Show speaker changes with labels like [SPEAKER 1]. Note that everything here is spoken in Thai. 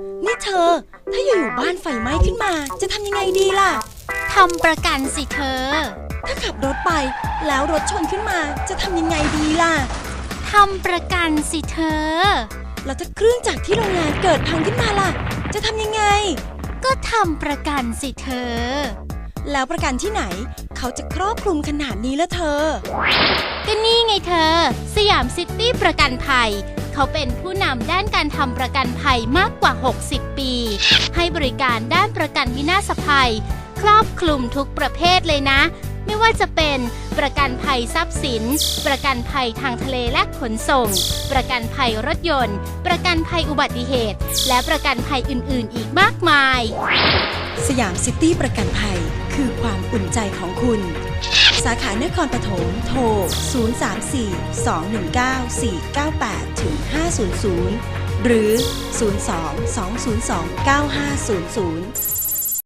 [SPEAKER 1] นี่เธอถ้าอยู่บ้านไฟไหม้ขึ้นมาจะทำยังไงดีล่ะ
[SPEAKER 2] ทำประกันสิเธอ
[SPEAKER 1] ถ้าขับรถไปแล้วรถชนขึ้นมาจะทำยังไงดีล่ะ
[SPEAKER 2] ทำประกันสิเธอ
[SPEAKER 1] แล้วถ้าเครื่องจักรที่โรงงานเกิดพังขึ้นมาล่ะจะทำยังไง
[SPEAKER 2] ก็ทำประกันสิเธอ
[SPEAKER 1] แล้วประกันที่ไหนเขาจะครอบคลุมขนาดนี้ละเธอ
[SPEAKER 2] ก็นี่ไงเธอสยามซิตี้ประกันภัยเขาเป็นผู้นำด้านการทำประกันภัยมากกว่า60ปีให้บริการด้านประกันวินาศภัยครอบคลุมทุกประเภทเลยนะไม่ว่าจะเป็นประกันภัยทรัพย์สินประกันภัยทางทะเลและขนส่งประกันภัยรถยนต์ประกันภัยอุบัติเหตุและประกันภัยอื่นๆอีกมากมาย
[SPEAKER 1] สยามซิตี้ประกันภัยคือความอุ่นใจของคุณสาขานครปฐมโทร 034-219-498-500 หรือ 02-202-9500